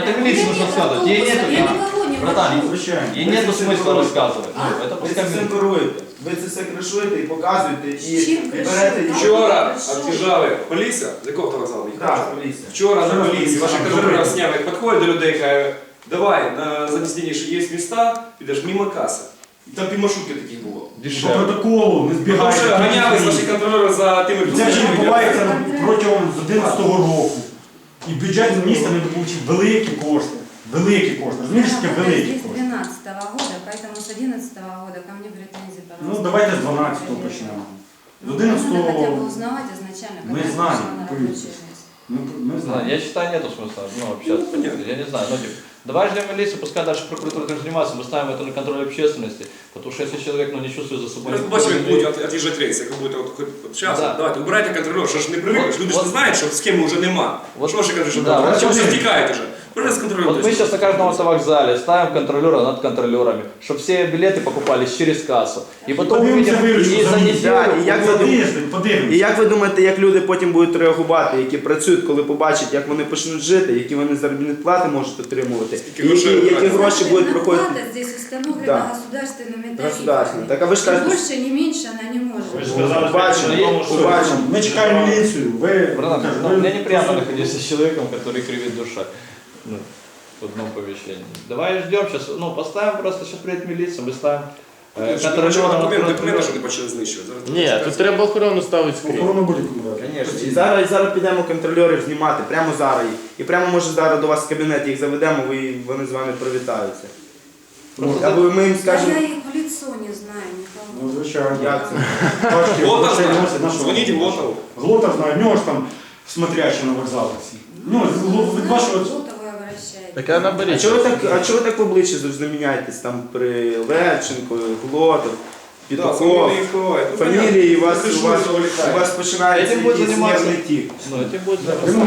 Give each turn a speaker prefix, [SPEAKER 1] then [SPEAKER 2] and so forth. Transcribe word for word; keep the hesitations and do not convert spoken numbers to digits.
[SPEAKER 1] это милиции нужно сказать. Ей нету,
[SPEAKER 2] Я никого не
[SPEAKER 1] братан,
[SPEAKER 2] хочу.
[SPEAKER 1] ей нету смысла рассказывать. Ну, это
[SPEAKER 3] Ви це
[SPEAKER 1] пускай
[SPEAKER 3] все
[SPEAKER 1] милиция.
[SPEAKER 3] керуєте. Ви це все кришуєте і показуєте, і,
[SPEAKER 2] Чим
[SPEAKER 3] і
[SPEAKER 2] кришуєте?
[SPEAKER 3] берете і
[SPEAKER 4] Вчора від'їжджали поліція, з якого вокзалу їхали?
[SPEAKER 3] Так, поліція.
[SPEAKER 4] Вчора на
[SPEAKER 5] Вчора
[SPEAKER 4] поліції, ваші
[SPEAKER 5] поліція.
[SPEAKER 4] контролери сняли, як підходять до людей, кажуть, давай, на задній що є міста, підеш мимо каси. І там півмаршрутки таких було.
[SPEAKER 5] По
[SPEAKER 1] Дешевле.
[SPEAKER 5] протоколу не
[SPEAKER 4] Тому
[SPEAKER 5] збігайте.
[SPEAKER 4] що ганялись ваші контролери за тими
[SPEAKER 5] Це вже
[SPEAKER 4] людьми.
[SPEAKER 5] відбувається протягом з одинадцятого року. І бюджет міста не добучив великі кошти. Великі кошти. Розумієш, таке великі
[SPEAKER 2] Здесь
[SPEAKER 5] кошти.
[SPEAKER 2] двенадцатого года, поэтому с одиннадцатого года ко мне претензий, пожалуйста.
[SPEAKER 5] Ну давайте з дванадцятого почнемо. З
[SPEAKER 2] Ну, надо хотя бы
[SPEAKER 5] одинадцятого
[SPEAKER 2] узнавать изначально,
[SPEAKER 5] Мы
[SPEAKER 2] когда я
[SPEAKER 5] знаем,
[SPEAKER 2] пришла на рабочее место.
[SPEAKER 5] ми, ми
[SPEAKER 1] Не знаю,
[SPEAKER 5] знаємо.
[SPEAKER 1] я считаю, нету смысла ну, общаться. Я не знаю, ну, типа, давай ждем милицию, пускай дальше прокуратура этим занимается, мы ставим это на контроль общественности, потому что если человек ну, не чувствует за собой...
[SPEAKER 4] Ми побачимо, як будуть від'їжджати рейси, як ви будете от, хоч от час,
[SPEAKER 1] Да.
[SPEAKER 4] давайте, убирайте контролер, що ж не привикли,
[SPEAKER 1] Вот,
[SPEAKER 4] люди ж
[SPEAKER 1] вот.
[SPEAKER 4] не знають, що схеми вже нема.
[SPEAKER 1] Вот.
[SPEAKER 4] Що ваші кажуть, що
[SPEAKER 1] Да,
[SPEAKER 4] да,
[SPEAKER 1] вот
[SPEAKER 4] чому
[SPEAKER 5] смотри.
[SPEAKER 4] все втікають вже? Прийде з контролем.
[SPEAKER 1] Вот мы сейчас на каждом автовокзале ставим контролера над контролерами, чтобы все билеты покупались через кассу. И потом
[SPEAKER 5] Подивимося
[SPEAKER 1] увидим,
[SPEAKER 5] виручку
[SPEAKER 1] и
[SPEAKER 5] за
[SPEAKER 1] за
[SPEAKER 5] місяць.
[SPEAKER 1] неделю...
[SPEAKER 3] І як ви
[SPEAKER 5] За
[SPEAKER 3] думаєте?
[SPEAKER 5] тиждень,
[SPEAKER 3] І
[SPEAKER 5] подивимося.
[SPEAKER 3] як ви думаєте, як люди потім будуть реагувати, які працюють, коли побачать, як вони почнуть жити, які вони заробітні плати можуть отримувати,
[SPEAKER 4] Скільки
[SPEAKER 3] і які,
[SPEAKER 4] грошей
[SPEAKER 3] які
[SPEAKER 4] втратять?
[SPEAKER 3] гроші будуть проходити?
[SPEAKER 2] Зарплата здесь установлена
[SPEAKER 3] Да.
[SPEAKER 2] государственными тарифами.
[SPEAKER 3] Государственными. Так, а вы же
[SPEAKER 2] Ни
[SPEAKER 3] кажете-
[SPEAKER 2] больше, ни меньше она не может.
[SPEAKER 5] Ви ж
[SPEAKER 2] быть.
[SPEAKER 5] сказали,
[SPEAKER 3] Побачимо,
[SPEAKER 5] що
[SPEAKER 3] побачимо.
[SPEAKER 5] ми чекаємо міліцію. Ви,
[SPEAKER 1] Братан,
[SPEAKER 5] кажу,
[SPEAKER 1] ну,
[SPEAKER 5] ви-
[SPEAKER 1] мне неприятно находиться с человеком, который кривит душа. Ну, в одном помещении. Давай ждем сейчас, ну, поставим просто, сейчас приедет милиция, мы ставим э,
[SPEAKER 4] Контролер,
[SPEAKER 1] контролера над
[SPEAKER 4] документи, документи,
[SPEAKER 1] контролером.
[SPEAKER 4] що не почали знищувати. Зараз
[SPEAKER 6] Ні, тут треба охорону ставити скрізь.
[SPEAKER 5] Охорону будь-яку брати.
[SPEAKER 3] Звісно. І зараз, і зараз підемо контрольорів знімати, прямо зараз. їх. І прямо може зараз до вас в кабінет їх заведемо, ви, вони з вами привітаються.
[SPEAKER 1] Просто
[SPEAKER 3] Або ми їм
[SPEAKER 2] Да
[SPEAKER 3] скажемо,
[SPEAKER 2] я их в лицо не знаю никого.
[SPEAKER 5] Ну, звичайно.
[SPEAKER 3] як це.
[SPEAKER 5] Важкі
[SPEAKER 4] Глотов
[SPEAKER 5] грошей
[SPEAKER 4] знає.
[SPEAKER 5] носять нашого.
[SPEAKER 4] Дзвоніть Глотову.
[SPEAKER 5] Глотов знає, в нього ж там смотрящі на вокзалах всі. Ну, з- від вашого...
[SPEAKER 2] Золотого обращайтесь.
[SPEAKER 6] Так я
[SPEAKER 3] А
[SPEAKER 6] наберіть.
[SPEAKER 3] чого ви так, а чого ви так в обличчі завжди міняєтесь? Там при Левченко, Глотов,
[SPEAKER 4] Да,
[SPEAKER 3] Петухов,
[SPEAKER 4] фамілії ховають. Ну,
[SPEAKER 3] фамілії, і у вас,
[SPEAKER 4] понятно.
[SPEAKER 3] у вас,
[SPEAKER 4] Кришують,
[SPEAKER 3] у вас починається
[SPEAKER 1] Этим будет
[SPEAKER 3] якийсь
[SPEAKER 1] заниматься.
[SPEAKER 3] нервний тік.
[SPEAKER 1] Ну, этим будет заниматься.